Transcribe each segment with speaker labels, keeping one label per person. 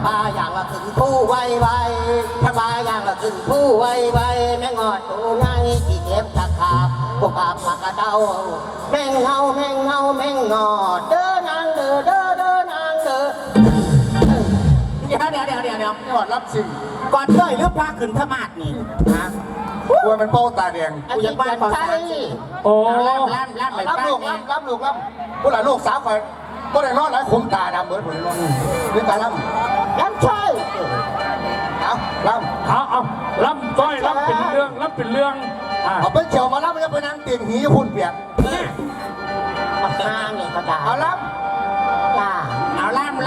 Speaker 1: พาอย่างละขึ้นผู้ไวไวถ้าพาอย่างละขึ้นผู้ไวไวแม่งอดตัวไงที่เก็บตะขาบพวกอาบมากระเดาแม่งเงาแม่งเงาแม่งงอดเด้อนางเด้อเด้อเด้อนางเด้อเดี๋ยว
Speaker 2: กอดรับสิ่ง
Speaker 1: ก่อนด้วยหรือพาขึ้นธมาดนี่ฮะ
Speaker 2: กลัวมันเป้าตาแดง
Speaker 1: กูยังบ้านใช่โอ้ล่ำไปรับลูกผู้หลานลูกสาวคอยก็ได้นอนแล้วขมตาดำเหมือนผมเลยนี่ตาล่ำใช่เอาล่ำ
Speaker 3: เอาล่ำต้อยล่ำเป็นเรื่อง
Speaker 2: เอาไปเฉียวมาล่ำมันจะไปนั่งเตียงหีหุ่นเปียก
Speaker 1: มาข้างเนี่ยเขาด่า
Speaker 2: เอาล่
Speaker 1: ำเอาล่ำ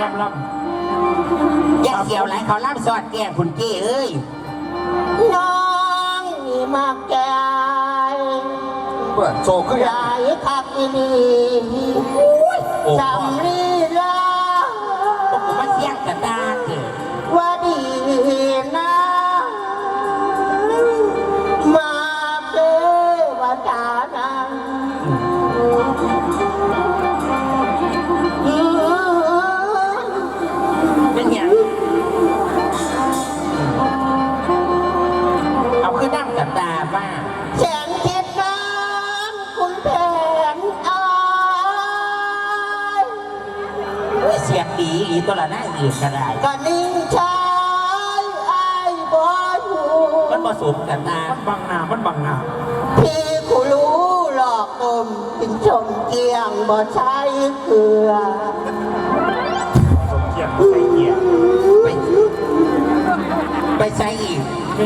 Speaker 1: อย่าเกี่ยวไหลเขาล่ำสอดแก้มคุณเก้เอ้ยน้องนี่มากแก่
Speaker 2: เปิดโซขึ้น
Speaker 1: ใหญ่คักอีนีจำลีลาผมมาเสียงกระดาษว่าดีนะมาเจอว่าจานังเป็นอย่างเอาขึ้นนั่งกระดาษบ้างแสนคิดน้ำคุณแผนอายเสียงดีอีตัวละหน้าอีกกระไดก็นิ่งชายไอ้บอยหูมันผสมกันนะ
Speaker 3: มันบังหน้า
Speaker 1: พี่กูรู้หลอกอมถึงชมเกียงบ่ใช้เกลือ
Speaker 3: สมเกียรติใส่เกียร์
Speaker 1: ไปใช้อีก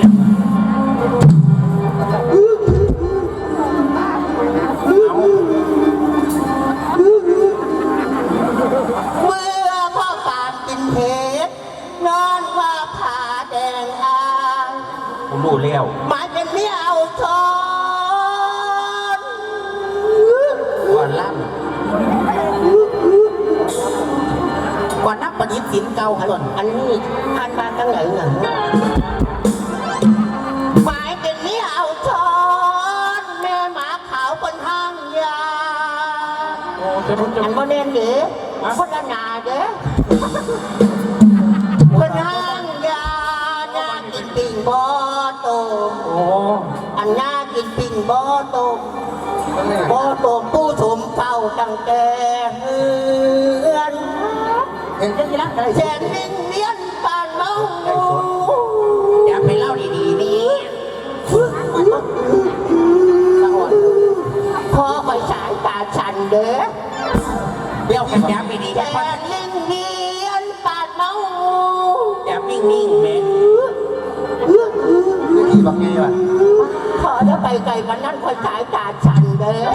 Speaker 1: เมื่อพ่อปามกินเห็ดนอนว่าผาแดงอ่าง
Speaker 3: ผมรู้แล้ว
Speaker 1: มาเป็นเมียเอาทอนก่อนล่ำก่อนนับประดิษฐ์สินเก่าขนอันนี้อ่านมาตั้งไหนเงหมายเป็นเมียเอาทอนแม่หมาขาวคนห้างยาอันบ่เน้นเด้คนละนาเด้คนห้างยาหน้ากินปิ่งบ่โตอันหน้ากินปิ่งบ่โตผู้ถมเฝ้าตั้งแต่เฮือนแสนนิ่งเลี้ยนปานเมาอย่าไปเล่าดีๆนี่พอไปสายตาฉันเด้อเดี๋ยวกันยับไปดีแค่นิ่งเลี้ยนปานเมาอย่านิ่งแม่
Speaker 2: ขี่บักงี้ว่ะ
Speaker 1: พอจะไปไกลกันนั่นคอยสายตาฉันเด้อ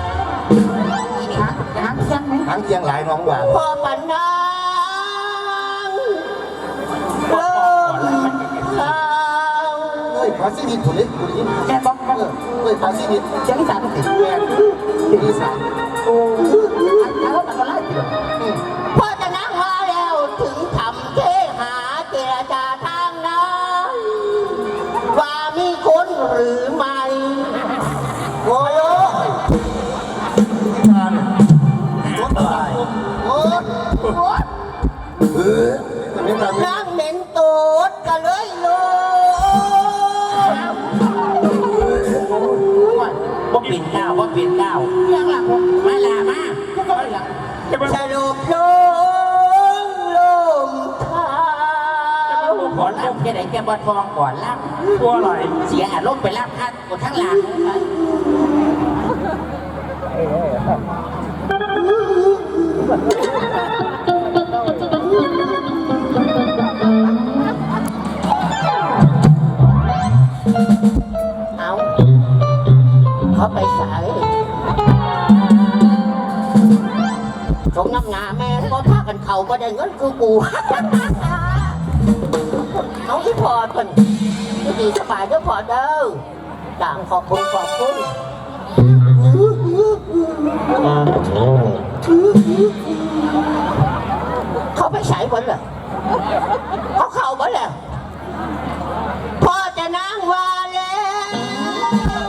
Speaker 2: หางเคียงหลายน้องว่า
Speaker 1: พอปันนังเริ่มข่าว
Speaker 2: เฮ้ยพาซีนิดถูกเลยถูกยิ่ง
Speaker 1: แม่บอก
Speaker 2: เฮ้ยพาซีนิด
Speaker 1: เจ้าที่สามติด
Speaker 2: แม่ที่สาม
Speaker 1: โอ้แล้วแต่ก็ไล่เปลี่ยนพอจะนั่งมาแล้วถึงทำเทหาเจรจาทางนั้นว่ามีคนหรือไม่โอ้ยนั่งเหม็นตูดกันเลยลูกว่าปิ่นเก้ายังหลังมาลามาสรุปลมเท้าก่อนล่ำแค่ไหนแกบอทองก่อนล่ำ
Speaker 3: ตัวอะไร
Speaker 1: เสียอารมณ์ไปล่ำท่านกดทั้งหลังเขาไปสายสมน้ำหนาแม่ก็พากันเขาก็ได้เงินคือกูเอาที่พอคนดีสบายก็พอเด้อต่างขอบคุณเขาไปสายคนเหรอเขาเข้าบ่แล้วพ่อจะนั่งว่าแล้ว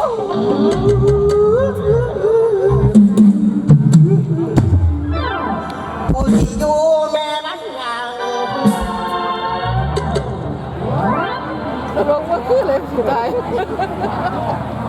Speaker 1: กูที่อยู่แม่มันงาง
Speaker 4: ตลกว่าคือเลยผู้ชาย